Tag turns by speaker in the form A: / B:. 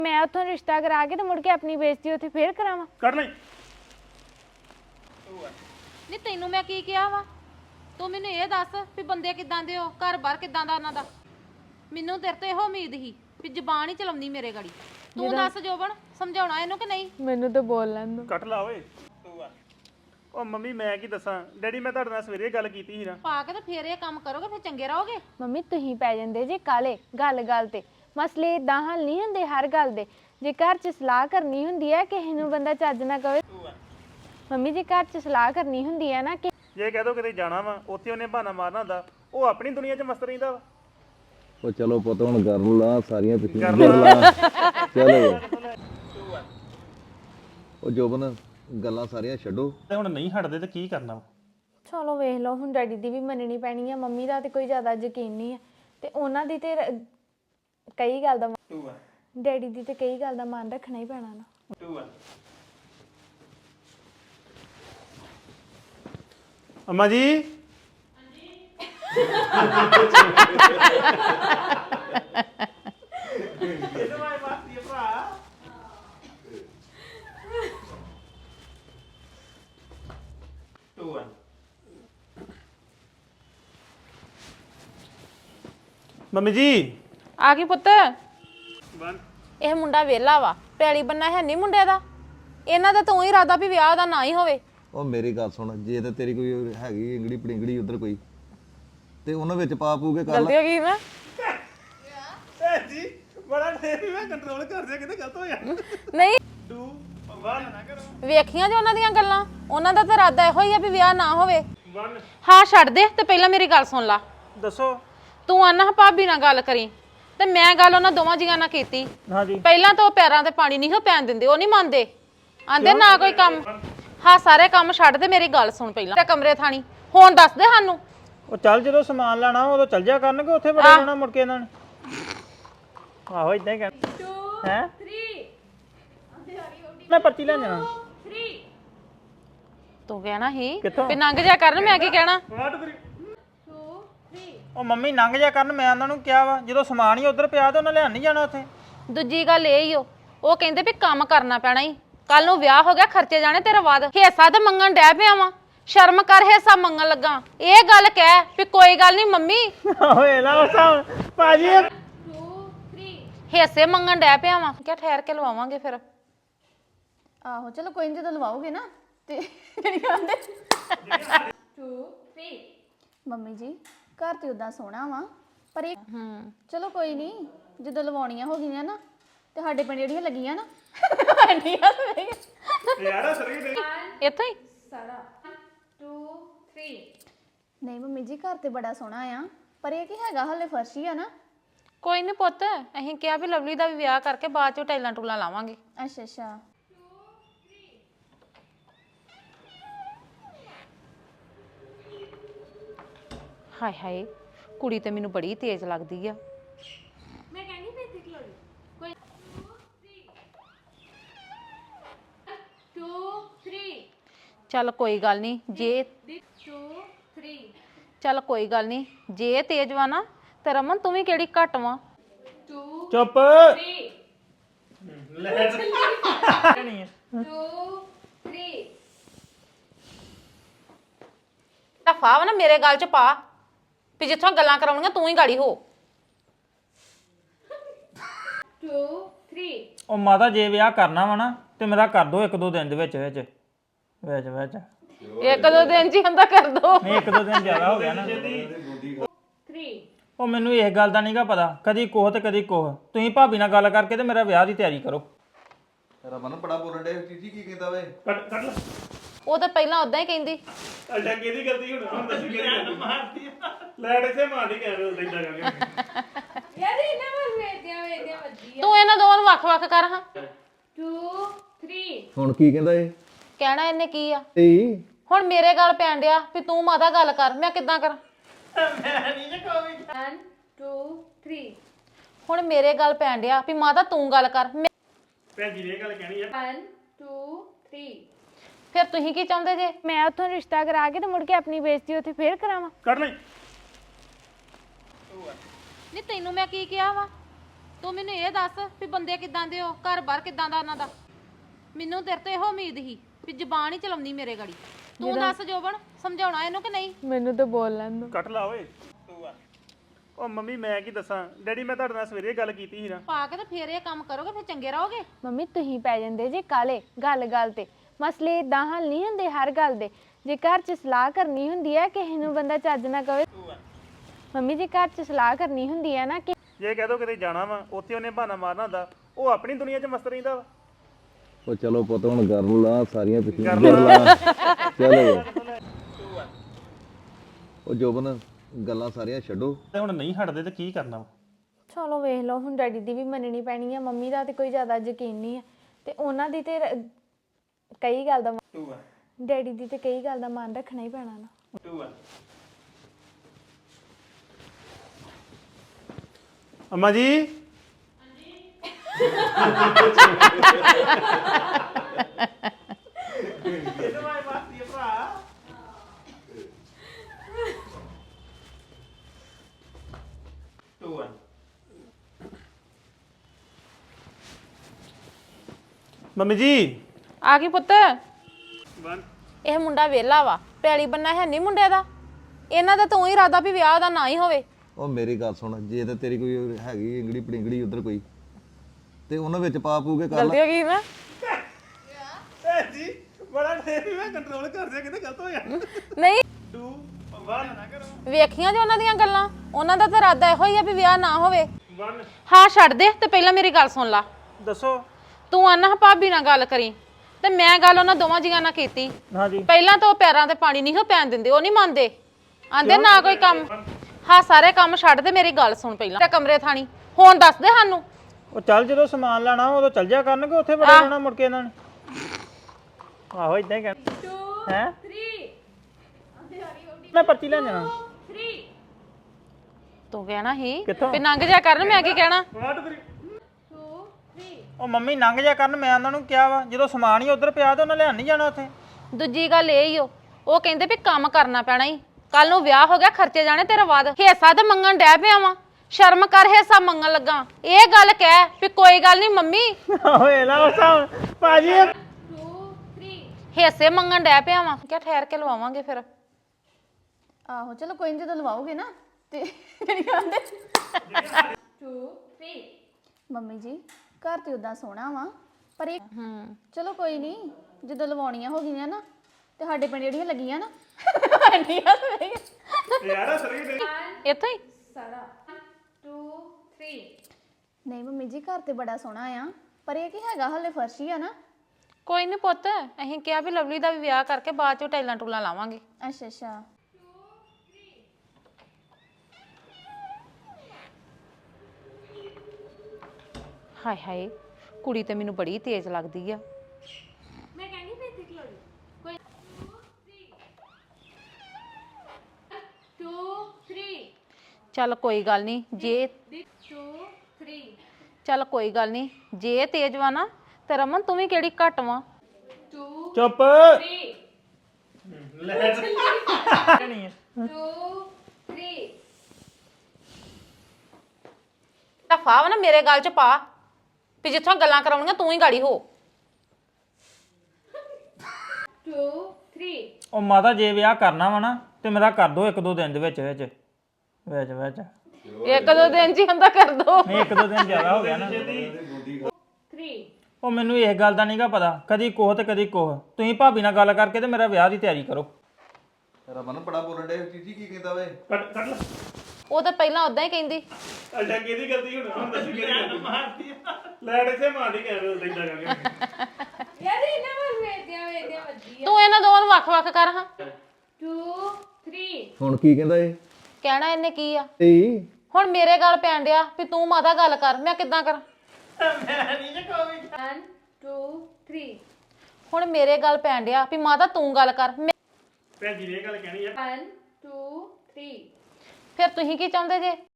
A: मैं उथों रिश्ता करा के तो मुड़ के अपनी बेइज्जती उथे फिर करावां
B: कर ले
C: ਨਹੀਂ ਤੈਨੂੰ ਮੈਂ ਕੀ ਕਿਹਾ ਵਾ ਤੂੰ ਮੈਨੂੰ ਇਹ ਦੱਸ ਵੀ ਬੰਦੇ ਕਿੱਦਾਂ ਦੇ ਹੋ ਘਰ-ਬਾਰ ਕਿੱਦਾਂ ਦਾ ਉਹਨਾਂ ਦਾ ਮੈਨੂੰ ਤੇਰੇ ਤੋਂ ਇਹੋ ਉਮੀਦ ਸੀ ਵੀ ਜ਼ਬਾਨ ਹੀ ਚਲਾਉਂਦੀ ਮੇਰੇ ਗਾੜੀ ਤੂੰ ਦੱਸ ਜੋਬਨ ਸਮਝਾਉਣਾ ਇਹਨੂੰ ਕਿ ਨਹੀਂ
A: मैनू तो बोल लैन दो
B: ਕੱਟ ਲਾ ਓਏ ਉਹ ਮੰਮੀ ਮੈਂ ਕੀ ਦੱਸਾਂ ਡੈਡੀ ਮੈਂ ਤੁਹਾਡੇ ਨਾਲ ਸਵੇਰੇ ਗੱਲ ਕੀਤੀ ਸੀ ਨਾ
C: ਪਾ ਕੇ ਤੇ ਫੇਰ ਇਹ ਕੰਮ ਕਰੋਗੇ ਫਿਰ ਚੰਗੇ ਰਹੋਗੇ
A: ਮੰਮੀ ਤੁਸੀਂ ਪੈ ਜਾਂਦੇ ਜੇ ਕਾਲੇ ਗੱਲ ਤੇ ਮਸਲੇ ਇਦਾਂ ਹੱਲ ਨਹੀਂ ਹੁੰਦੇ ਹਰ ਗੱਲ ਦੇ ਜੇ ਘਰ 'ਚ ਸਲਾਹ ਕਰਨੀ ਹੁੰਦੀ ਹੈ ਕਿਸੇ ਨੂੰ ਬੰਦਾ ਚੱਜ ਨਾ ਕਵੇ ਮੰਮੀ ਜੇ ਘਰ 'ਚ ਸਲਾਹ ਕਰਨੀ ਹੁੰਦੀ ਹੈ ਨਾ ਕਿ
B: ਜੇ ਕਹਿ ਦੋ ਕਿਤੇ ਜਾਣਾ ਵਾ ਉੱਥੇ ਉਹਨੇ ਬਹਾਨਾ ਮਾਰਨਾ ਹੁੰਦਾ ਉਹ ਆਪਣੀ ਦੁਨੀਆ 'ਚ ਮਸਤ ਰਹਿੰਦਾ ਵਾ
D: ਉਹ ਚਲੋ ਪੁੱਤ ਹੁਣ ਕਰ ਲਾ ਸਾਰੀਆਂ ਪਿਛਲੀਆਂ ਗੱਲਾਂ ਚਲੋ ਉਹ ਜੋਬਨ ਗੱਲਾਂ ਸਾਰੀਆਂ ਛੱਡੋ
B: ਤੇ ਹੁਣ ਨਹੀਂ ਹਟਦੇ ਤੇ ਕੀ ਕਰਨਾ ਵਾ
A: ਚਲੋ ਵੇਖ ਲਓ ਹੁਣ ਡੈਡੀ ਦੀ ਵੀ ਮੰਨਣੀ ਪੈਣੀ ਹੈ ਮੰਮੀ ਦਾ ਤੇ ਕੋਈ ਜ਼ਿਆਦਾ ਯਕੀਨ ਨਹੀਂ ਹੈ ਤੇ ਉਹਨਾਂ ਦੀ ਤੇ ਕਈ ਗੱਲ ਦਾ ਡੈਡੀ ਦੀ ਤੇ ਕਈ ਗੱਲ ਦਾ ਮਾਨ ਰੱਖਣਾ ਹੀ ਪੈਣਾ ਨਾ
B: ਅੰਮਾ ਜੀ ਮੰਮੀ ਜੀ
C: ਆ ਗਈ ਪੁੱਤ ਇਹ ਮੁੰਡਾ ਵਿਹਲਾ ਵਾ ਪੈਲੀ ਬੰਨਾ ਹੈ ਨਹੀਂ ਮੁੰਡੇ ਦਾ ਇਹਨਾਂ ਦਾ ਤਾਂ ਹੀ ਇਰਾਦਾ ਵੀ ਵਿਆਹ ਦਾ ਨਾ ਹੀ ਹੋਵੇ
D: ਉਹ ਮੇਰੀ ਗੱਲ ਸੁਣ ਜੇ ਤੇ ਤੇਰੀ ਕੋਈ ਹੈਗੀ ਇੰਗੜੀ ਪੜਿੰਗੜੀ ਉਧਰ ਕੋਈ ਤੇ ਉਹਨਾਂ ਵਿੱਚ ਪਾ ਪੂ ਕੇ ਕਰ
C: ਗਲਤੀ ਹੋ ਗਈ ਨਾ
B: ਜੀ ਬੜਾ ਠੇਰ ਮੈਂ ਕੰਟਰੋਲ ਕਰ ਦਿਆ ਕਿਤੇ ਗਲਤ ਹੋ ਜਾ
C: ਨਹੀਂ
B: 2 1 ਨਾ ਕਰੋ
C: ਵੇਖੀਆਂ ਜੇ ਉਹਨਾਂ ਦੀਆਂ ਗੱਲਾਂ ਉਹਨਾਂ ਦਾ ਤਾਂ ਇਰਾਦਾ ਇਹੋ ਹੀ ਆ ਵੀ ਵਿਆਹ ਨਾ ਹੋਵੇ
B: 1
C: ਹਾਂ ਛੱਡ ਦੇ ਤੇ ਪਹਿਲਾਂ ਮੇਰੀ ਗੱਲ ਸੁਣ ਲਾ
B: ਦੱਸੋ
C: ਤੂੰ ਆਨਾ ਭਾਬੀ ਨਾਲ ਗੱਲ ਕਰੀ ਤੇ ਮੈਂ ਗੱਲ ਉਹਨਾਂ ਦੋਵਾਂ ਜੀਆਂ ਨਾਲ ਕੀਤੀ
B: ਹਾਂਜੀ
C: ਪਹਿਲਾਂ ਤਾਂ ਉਹ ਪੈਰਾਂ ਤੇ ਪਾਣੀ ਨਹੀਂ ਹੋ ਪੈਣ ਦਿੰਦੇ ਉਹ ਨਹੀਂ ਮੰਨਦੇ ਆਂਦੇ ਨਾ ਕੋਈ ਕੰਮ ਹਾਂ ਸਾਰੇ ਕੰਮ ਛੱਡ ਦੇ ਮੇਰੀ ਗੱਲ ਸੁਣ ਪਹਿਲਾਂ ਤੇ ਕਮਰੇ ਥਾਣੀ ਹੁਣ ਦੱਸ ਦੇ ਸਾਨੂੰ
B: ਉਹ ਚੱਲ ਜਦੋਂ ਸਮਾਨ ਲੈਣਾ ਉਦੋਂ ਚੱਲ ਜਾ ਕਰਨਗੇ ਉੱਥੇ ਬੜੇ ਜਾਣਾ ਮੁੜ ਕੇ ਇਹਨਾਂ ਨੇ ਆਹੋ ਇਦਾਂ ਹੀ ਕਹਿਣਾ ਹੈ 3 ਮੈਂ ਪਰਚੀ ਲੈ ਜਾਣਾ
C: ਤੂੰ ਕਹਿਣਾ ਸੀ
B: ਕਿੱਥੋਂ?
C: ਵੀ ਲੰਘ ਜਾ ਕਰਨ ਮੈਂ ਕੀ ਕਹਿਣਾ
B: 1 2 3 ਉਹ ਮੰਮੀ ਲੰਘ ਜਾ ਕਰਨ ਮੈਂ ਉਹਨਾਂ ਨੂੰ ਕਿਹਾ ਵਾ ਜਦੋਂ ਸਮਾਨ ਹੀ ਉਧਰ ਪਿਆ ਤੇ ਉਹਨਾਂ ਲੈਣ ਨਹੀਂ ਜਾਣਾ ਉੱਥੇ
C: ਦੂਜੀ ਗੱਲ ਇਹ ਹੀ ਉਹ ਕਹਿੰਦੇ ਵੀ ਕੰਮ ਕਰਨਾ ਪੈਣਾ ਹੀ ਕੱਲ ਨੂੰ ਵਿਆਹ ਹੋ ਗਿਆ ਖਰਚੇ ਜਾਣੇ ਤੇਰਾ ਬਾਅਦ ਹਿੱਸਾ ਤਾਂ ਮੰਗਣ ਡੈ ਪਿਆ ਵਾ ਸ਼ਰਮ ਕਰ ਹਿੱਸਾ ਮੰਗਣ ਲੱਗਾ ਇਹ ਗੱਲ ਕਹਿ ਵੀ ਕੋਈ ਗੱਲ ਨਹੀਂ ਮੰਮੀ
B: ਓਏ ਲਾ ਸਾਂ ਭਾਜੀ
C: ਹਿੱਸੇ ਮੰਗਣ ਡੈ ਪਿਆ ਵਾ ਕਿਆ ਠਹਿਰ ਕੇ ਲਵਾਵਾਂਗੇ ਫਿਰ
E: ਆਹੋ ਚਲੋ ਕੋਈ ਨਹੀਂ ਜਦੋਂ ਲਵਾਓਗੇ ਨਾ ਤੇ ਜਿਹੜੀ ਕਹਿੰਦੇ 2 3 ਮੰਮੀ ਜੀ ਘਰ ਤੇ ਉਦਾਂ ਸੋਹਣਾ ਵਾ ਪਰ ਇਹ ਚਲੋ ਕੋਈ ਨਹੀਂ ਜਦੋਂ ਲਵਾਉਣੀਆਂ ਹੋ ਗਈਆਂ ਨਾ ਤੇ ਸਾਡੇ ਪਿੰਡ ਜਿਹੜੀਆਂ ਲੱਗੀਆਂ ਨਾ
B: ਯਾਰ ਸਰੀ ਨਹੀਂ
C: ਇੱਥੋਂ ਹੀ
E: ਸਾਰਾ 2 3 ਨਹੀਂ ਮੰਮੀ ਜੀ ਘਰ ਤੇ ਬੜਾ ਸੋਹਣਾ ਆ ਪਰ ਇਹ ਕੀ ਹੈਗਾ ਹਲੇ ਫਰਸ਼ ਹੀ ਆ ਨਾ
C: ਕੋਈ ਨਹੀਂ ਪੁੱਤ ਅਸੀਂ ਕਿਹਾ ਵੀ ਲਵਲੀ ਦਾ ਵੀ ਵਿਆਹ ਕਰਕੇ ਬਾਅਦ ਚੋਂ ਟਾਈਲਾਂ ਟੂਲਾਂ ਲਾਵਾਂਗੇ
E: ਅੱਛਾ ਅੱਛਾ
C: ਹਾਏ ਹਾਏ ਕੁੜੀ ਤੇ ਮੈਨੂੰ ਬੜੀ ਤੇਜ਼ ਲੱਗਦੀ ਆ
E: ਮੈਂ ਕਹਿੰਦੀ ਪਈ ਇੱਥੇ ਕੀ ਹੋ ਗਈ ਕੋਈ 2 3
C: ਚੱਲ ਕੋਈ ਗੱਲ ਨਹੀਂ ਜੇ
E: 2 3
C: ਚੱਲ ਕੋਈ ਗੱਲ ਨਹੀਂ ਜੇ ਤੇਜ਼ ਵਾ ਨਾ ਤੇ ਰਮਨ ਤੂੰ ਵੀ ਕਿਹੜੀ ਘੱਟ ਵਾ
E: 2
B: ਚੁੱਪ
E: 3
B: ਲੈ ਨਹੀਂ
E: 2 3
C: ਤਾਂ ਫਾਵ ਨਾ ਮੇਰੇ ਗੱਲ ਚ ਪਾ ਵੀ ਜਿੱਥੋਂ ਗੱਲਾਂ ਕਰਾਉਣੀਆਂ ਤੂੰ ਹੀ ਗਾੜੀ ਹੋ
E: 2 3
B: ਉਹ ਮਾਤਾ ਜੇ ਵਿਆਹ ਕਰਨਾ ਵਾ ਨਾ ਤੇ ਮੇਰਾ ਕਰ ਦੋ 1-2 ਦਿਨ ਦੇ ਵਿੱਚ
C: ਇੱਕ ਦੋ ਦਿਨ ਚ ਹੀ ਹੁੰਦਾ ਕਰ ਦੋ
B: ਨਹੀਂ 1-2 ਦਿਨ ਜ਼ਿਆਦਾ ਹੋ ਗਿਆ ਨਾ
E: 3
B: ਉਹ ਮੈਨੂੰ ਇਸ ਗੱਲ ਦਾ ਨਹੀਂਗਾ ਪਤਾ ਕਦੀ ਕੋਹ ਤੇ ਕਦੀ ਕੋਹ ਤੁਸੀਂ ਭਾਬੀ ਨਾਲ ਗੱਲ ਕਰਕੇ ਤੇ ਮੇਰਾ ਵਿਆਹ ਦੀ ਤਿਆਰੀ ਕਰੋ
D: ਰਮਨ ਬੜਾ ਬੋਲਣ ਡੇ ਚੀਚੀ ਕੀ ਕਹਿੰਦਾ ਵੇ
B: ਕੱਟ ਲੈ
C: ਉਹ ਤਾਂ ਪਹਿਲਾਂ ਉਦਾਂ ਹੀ ਕਹਿੰਦੀ
B: ਅੱਡਾ ਕਿਹਦੀ ਗਲਤੀ ਹੁਣ ਦੱਸ ਕਿਹਦੀ ਮਾਰਦੀ ਲੈਟ ਇੱਥੇ ਮਾਰਦੀ ਕਹਿ ਉਦਾਂ ਇਦਾਂ ਕਰਕੇ
E: ਯਾਰ ਇਹਨਾਂ ਵੱਲ ਵੇਖਦਿਆਂ ਵੱਜੀ
C: ਤੂੰ ਇਹਨਾਂ ਦੋਵਾਂ ਨੂੰ ਵੱਖ-ਵੱਖ ਕਰ ਹਾਂ
E: 2 3
D: ਹੁਣ ਕੀ ਕਹਿੰਦਾ ਇਹ
C: ਕਹਿਣਾ ਇਹਨੇ ਕੀ ਆ
D: ਏ
C: ਹੁਣ ਮੇਰੇ ਗੱਲ ਪੈਣ ਡਿਆ ਵੀ ਤੂੰ ਮਾਤਾ ਗੱਲ ਕਰ ਮੈਂ ਕਿੱਦਾਂ ਕਰਾਂ
E: 1 2 3
C: ਹੁਣ ਮੇਰੇ ਗੱਲ ਪੈਣ ਡਿਆ ਵੀ ਮਾਤਾ ਤੂੰ ਗੱਲ ਕਰ
B: ਭੈਣ ਜੀ ਨੇ ਇਹ ਗੱਲ ਕਹਿਣੀ ਆ
E: 1 2 3
C: ਫਿਰ ਤੁਸੀਂ ਕੀ ਚਾਹੁੰਦੇ ਜੇ
A: ਮੈਂ ਉਥੋਂ ਰਿਸ਼ਤਾ ਕਰਾ ਕੇ ਤੇ ਮੁੜ ਕੇ ਆਪਣੀ ਬੇਇੱਜ਼ਤੀ ਉਥੇ ਫੇਰ ਕਰਾਵਾਂ
B: ਕੱਢ ਲੈ
C: ਨਹੀਂ ਤੈਨੂੰ ਮੈਂ ਕੀ ਕਿਹਾ ਵਾ ਤੂੰ ਮੈਨੂੰ ਇਹ ਦੱਸ ਵੀ ਬੰਦੇ ਕਿੱਦਾਂ ਦੇ ਹੋ, ਘਰ-ਬਾਰ ਕਿੱਦਾਂ ਦਾ ਉਹਨਾਂ ਦਾ। ਮੈਨੂੰ ਤੇਰੇ ਤੋਂ ਇਹੋ ਉਮੀਦ ਸੀ ਵੀ ਜ਼ਬਾਨ ਹੀ ਚਲਾਉਂਦੀ ਮੇਰੇ ਗਾੜੀ। ਤੂੰ ਦੱਸ ਜੋਬਨ, ਸਮਝਾਉਣਾ ਇਹਨੂੰ ਕਿ ਨਹੀਂ?
A: ਮੈਨੂੰ ਤਾਂ ਬੋਲ ਲੈਣ ਦੋ।
B: ਕੱਟ ਲਾ ਓਏ ਉਹ ਮੰਮੀ ਮੈਂ ਕੀ ਦੱਸਾਂ ਡੈਡੀ ਮੈਂ ਤੁਹਾਡੇ ਨਾਲ ਸਵੇਰੇ ਗੱਲ ਕੀਤੀ ਸੀ ਨਾ
C: ਪਾ ਕੇ ਤੇ ਫੇਰ ਇਹ ਕੰਮ ਕਰੋਗੇ ਫਿਰ ਚੰਗੇ ਰਹੋਗੇ।
A: ਮੰਮੀ ਤੁਸੀਂ ਪੈ ਜਾਂਦੇ ਜੇ ਕਾਲੇ ਗੱਲ ਤੇ। ਮਸਲੇ ਇਦਾਂ ਹੱਲ ਨਹੀਂ ਹੁੰਦੇ ਹਰ ਗੱਲ ਦੇ। ਜੇ ਘਰ 'ਚ ਸਲਾਹ ਕਰਨੀ ਹੁੰਦੀ ਹੈ ਕਿਸੇ ਨੂੰ ਬੰਦਾ ਚੱਜ ਨਾ ਕਵੇ। ਮੰਮੀ ਜੇ ਘਰ 'ਚ ਸਲਾਹ ਕਰਨੀ ਹੁੰਦੀ ਹੈ ਨਾ ਕਿ
B: ਜੇ ਕਹਿ ਦੋ ਕਿਤੇ ਜਾਣਾ ਵਾ ਉੱਥੇ ਉਹਨੇ ਬਹਾਨਾ ਮਾਰਨਾ ਹੁੰਦਾ ਉਹ ਆਪਣੀ ਦੁਨੀਆ 'ਚ ਮਸਤ ਰਹਿੰਦਾ ਵਾ
D: ਉਹ ਚਲੋ ਪੁੱਤ ਹੁਣ ਕਰ ਲਾ ਸਾਰੀਆਂ ਪਿਛਲੀਆਂ ਗੱਲਾਂ ਚਲੋ ਉਹ ਜੋਬਨ ਗੱਲਾਂ ਸਾਰੀਆਂ ਛੱਡੋ
B: ਤੇ ਹੁਣ ਨਹੀਂ ਹਟਦੇ ਤੇ ਕੀ ਕਰਨਾ ਵਾ
A: ਚਲੋ ਵੇਖ ਲਓ ਹੁਣ ਡੈਡੀ ਦੀ ਵੀ ਮੰਨਣੀ ਪੈਣੀ ਆ। ਮੰਮੀ ਦਾ ਤੇ ਕੋਈ ਜ਼ਿਆਦਾ ਯਕੀਨ ਨਹੀਂ ਹੈ ਤੇ ਉਹਨਾਂ ਦੀ ਤੇ ਕਈ ਗੱਲ ਦਾ ਡੈਡੀ ਦੀ ਤੇ ਕਈ ਗੱਲ ਦਾ ਮਾਨ ਰੱਖਣਾ ਹੀ ਪੈਣਾ ਨਾ।
B: ਅੰਮਾ ਜੀ ਮੰਮੀ ਜੀ
C: ਆ ਗਈ ਪੁੱਤ। ਇਹ ਮੁੰਡਾ ਵਿਹਲਾ ਵਾ, ਪੈਲੀ ਬੰਨਾ ਹੈ ਨਹੀਂ ਮੁੰਡੇ ਦਾ। ਇਹਨਾਂ ਦਾ ਤੂੰ ਹੀ ਇਰਾਦਾ ਵੀ ਵਿਆਹ ਦਾ ਨਾ ਹੀ ਹੋਵੇ।
D: ਉਹ ਮੇਰੀ ਗੱਲ ਸੁਣ ਜੇ ਤਾਂ ਤੇਰੀ ਕੋਈ ਹੈਗੀ ਇੰਗੜੀ ਪੜਿੰਗੜੀ ਉਧਰ ਕੋਈ ਤੇ ਉਹਨਾਂ ਵਿੱਚ ਪਾ ਪੂਗੇ ਕਰ
C: ਗਲਤੀ ਹੋ ਗਈ ਨਾ।
B: ਜੀ ਬੜਾ ਟੇਪ ਮੈਂ ਕੰਟਰੋਲ ਕਰ ਦਿਆ ਕਿਤੇ ਗਲਤ ਹੋ ਜਾਣਾ
C: ਨਹੀਂ
B: 2 1 ਨਾ ਕਰੋ
C: ਵੇਖੀਆਂ ਜੇ ਉਹਨਾਂ ਦੀਆਂ ਗੱਲਾਂ, ਉਹਨਾਂ ਦਾ ਤਾਂ ਇਰਾਦਾ ਇਹੋ ਹੀ ਆ ਵੀ ਵਿਆਹ ਨਾ ਹੋਵੇ।
B: 1
C: ਹਾਂ ਛੱਡ ਦੇ ਤੇ ਪਹਿਲਾਂ ਮੇਰੀ ਗੱਲ ਸੁਣ ਲਾ।
B: ਦੱਸੋ
C: ਤੂੰ ਆਨਾ ਭਾਬੀ ਨਾਲ ਗੱਲ ਕਰੀ ਤੇ ਮੈਂ ਗੱਲ ਉਹਨਾਂ ਦੋਵਾਂ ਜੀਆਂ ਨਾਲ ਕੀਤੀ।
B: ਹਾਂਜੀ
C: ਪਹਿਲਾਂ ਤਾਂ ਉਹ ਪੈਰਾਂ ਤੇ ਪਾਣੀ ਨਹੀਂ ਹੋ ਪੈਣ ਦਿੰਦੇ, ਉਹ ਨਹੀਂ ਮੰਨਦੇ। ਆਂਦੇ ਨਾ ਕੋਈ ਕੰਮ। ਹਾਂ ਸਾਰੇ ਕੰਮ ਛੱਡ ਦੇ, ਮੇਰੀ ਗੱਲ ਸੁਣ ਪਹਿਲਾਂ। ਤੇ ਕਮਰੇ ਥਾਣੀ ਹੁਣ ਦੱਸ ਦੇ ਸਾਨੂੰ।
B: ਉਹ ਚੱਲ ਜਦੋਂ ਸਮਾਨ ਲੈਣਾ ਉਦੋਂ ਚੱਲ ਜਾ ਕਰਨਗੇ ਉੱਥੇ ਬੜੇ ਰਹਿਣਾ ਮੁੜ ਕੇ ਇਹਨਾਂ ਨੇ ਆਹੋ ਇਦਾਂ ਹੀ ਕਹਿਣਾ 2 3 ਮੈਂ ਪਰਚੀ ਲੈਣ ਜਾਣਾ
C: ਤੂੰ ਕਹਿਣਾ ਸੀ
B: ਕਿੱਥੋਂ?
C: ਵੀ ਲੰਘ ਜਾ ਕਰਨ, ਮੈਂ ਕੀ ਕਹਿਣਾ?
B: 1 2 3 ਉਹ ਮੰਮੀ ਲੰਘ ਜਾ ਕਰਨ ਮੈਂ ਉਹਨਾਂ ਨੂੰ ਕਿਹਾ ਵਾ ਜਦੋਂ ਸਮਾਨ ਹੀ ਉਧਰ ਪਿਆ ਤੇ ਉਹਨਾਂ ਲੈਣ ਨਹੀਂ ਜਾਣਾ ਉੱਥੇ।
C: ਦੂਜੀ ਗੱਲ ਇਹ ਹੀ ਉਹ ਕਹਿੰਦੇ ਵੀ ਕੰਮ ਕਰਨਾ ਪੈਣਾ ਹੀ। ਕੱਲ ਨੂੰ ਵਿਆਹ ਹੋ ਗਿਆ, ਖਰਚੇ ਜਾਣੇ ਤੇਰਾ ਬਾਅਦ। ਹਿੱਸਾ ਤੇ ਮੰਗਣ ਡੈ ਪਿਆ ਵਾ, ਸ਼ਰਮ ਕਰ, ਹਿੱਸਾ ਮੰਗਣ ਲੱਗਾ। ਇਹ ਗੱਲ ਕਹਿ ਵੀ ਕੋਈ ਗੱਲ ਨਹੀਂ ਮੰਮੀ
B: ਓਏ ਲਾ ਸਾ ਭਾਜੀ 2 3
C: ਹਿੱਸੇ ਮੰਗਣ ਡੈ ਪਿਆ ਵਾ। ਕਿਆ ਠਹਿਰ ਕੇ ਲਵਾਵਾਂਗੇ ਫਿਰ।
E: ਆਹੋ ਚਲੋ ਕੋਈ ਨਹੀਂ ਜਦੋਂ ਲਵਾਓਗੇ ਨਾ ਤੇ ਜਿਹੜੀ ਕਹਿੰਦੇ 2 3 ਮੰਮੀ ਜੀ ਘਰ ਤੇ ਉਦਾਂ ਸੋਹਣਾ ਵਾ ਪਰ ਇਹ ਚਲੋ ਕੋਈ ਨਹੀਂ ਜਦੋਂ ਲਵਾਉਣੀਆਂ ਹੋ ਗਈਆਂ ਨਾ ਤੇ ਸਾਡੇ ਪਿੰਡ ਜਿਹੜੀਆਂ ਲੱਗੀਆਂ ਨਾ
B: ਯਾਰ ਸਰੀ ਦੇ
C: ਇੱਥੋਂ ਹੀ
E: ਸਾਰਾ 2 3 ਨਹੀਂ ਮੰਮੀ ਜੀ ਘਰ ਤੇ ਬੜਾ ਸੋਹਣਾ ਆ ਪਰ ਇਹ ਕੀ ਹੈਗਾ ਹਲੇ ਫਰਸ਼ ਹੀ ਆ ਨਾ।
C: ਕੋਈ ਨਹੀਂ ਪੁੱਤ, ਅਸੀਂ ਕਿਹਾ ਵੀ ਲਵਲੀ ਦਾ ਵੀ ਵਿਆਹ ਕਰਕੇ ਬਾਅਦ ਚੋਂ ਟਾਈਲਾਂ ਟੂਲਾਂ ਲਾਵਾਂਗੇ।
E: ਅੱਛਾ ਅੱਛਾ
C: ਹਾਏ ਹਾਏ ਕੁੜੀ ਤੇ ਮੈਨੂੰ ਬੜੀ ਤੇਜ਼ ਲੱਗਦੀ ਆ।
A: ਮੈਂ ਕਹਿੰਦੀ ਫੇਰ ਤੇ ਖਲੋਈ ਕੋਈ 2 3
C: ਚੱਲ ਕੋਈ ਗੱਲ ਨਹੀਂ ਜੇ
A: 2 3
C: ਚੱਲ ਕੋਈ ਗੱਲ ਨਹੀਂ ਜੇ ਤੇਜ਼ ਵਾ ਨਾ ਤੇ ਰਮਨ ਤੂੰ ਵੀ ਕਿਹੜੀ ਘੱਟ ਵਾ।
A: 2
B: ਚੁੱਪ
A: 3
B: ਲੈ ਨਹੀਂ
A: 2 3
C: ਤਾਂ ਫਾਵ ਨਾ ਮੇਰੇ ਗੱਲ ਚ ਪਾ ਵੀ ਜਿੱਥੋਂ ਗੱਲਾਂ ਕਰਾਉਣੀਆਂ ਤੂੰ ਹੀ ਗਾੜੀ ਹੋ।
A: 2 3
B: ਉਹ ਮਾਤਾ ਜੇ ਵਿਆਹ ਕਰਨਾ ਵਾ ਨਾ ਤੇ ਮੇਰਾ ਕਰ ਦੋ 1-2 ਦਿਨ ਦੇ ਵਿੱਚ ਵਿੱਚ
C: ਇੱਕ ਦੋ ਦਿਨ ਚ ਹੀ ਹੁੰਦਾ ਕਰ ਦੋ।
B: ਨਹੀਂ 1-2 ਦਿਨ ਜ਼ਿਆਦਾ ਹੋ ਗਿਆ ਨਾ
A: 3
B: ਉਹ ਮੈਨੂੰ ਇਹ ਗੱਲ ਦਾ ਨਹੀਂਗਾ ਪਤਾ ਕਦੀ ਕੋਹ ਤੇ ਕਦੀ ਕੋਹ। ਤੁਸੀਂ ਭਾਬੀ ਨਾਲ ਗੱਲ ਕਰਕੇ ਤੇ ਮੇਰਾ ਵਿਆਹ ਦੀ ਤਿਆਰੀ ਕਰੋ।
D: ਰਮਨ ਬੜਾ ਬੋਲਣ ਡੇ ਚੀਚੀ ਕੀ ਕਹਿੰਦਾ ਵੇ
B: ਕੱਟ ਲੈ
C: ਉਹ ਤਾਂ ਪਹਿਲਾਂ ਉਦਾਂ ਹੀ ਕਹਿੰਦੀ।
B: ਅੱਛਾ ਕਿਹਦੀ ਗਲਤੀ ਹੁਣ ਦੱਸ ਕਿਹਦੀ ਗਲਤੀ ਮਾਰਦੀ ਲੈਟ ਇੱਥੇ ਮਾਰਦੀ ਕਹਿ ਰਹੇ ਇਦਾਂ ਕਰਕੇ
A: ਯਾਰ ਇਹਨਾਂ ਵੱਲ ਵੇਖਦਿਆਂ ਵੱਜੀ
C: ਤੂੰ ਇਹਨਾਂ ਦੋਵਾਂ ਨੂੰ ਵੱਖ-ਵੱਖ ਕਰ। ਹਾਂ
A: 2 3
D: ਹੁਣ ਕੀ ਕਹਿੰਦਾ ਇਹ
C: ਕਹਿਣਾ ਇਹਨੇ ਕੀ ਆ?
D: ਏ
C: ਹੁਣ ਮੇਰੇ ਗੱਲ ਪੈਣ ਡਿਆ ਵੀ ਤੂੰ ਮਾਤਾ ਗੱਲ ਕਰ, ਮੈਂ ਕਿੱਦਾਂ ਕਰਾਂ?
A: 1 2 3
C: ਹੁਣ ਮੇਰੇ ਗੱਲ ਪੈਣ ਡਿਆ ਵੀ ਮਾਤਾ ਤੂੰ ਗੱਲ ਕਰ।
B: ਭੈਣ ਜੀ ਨੇ ਇਹ ਗੱਲ ਕਹਿਣੀ ਆ
A: 1 2 3
C: ਫਿਰ ਤੁਸੀਂ ਕੀ ਚਾਹੁੰਦੇ ਜੇ?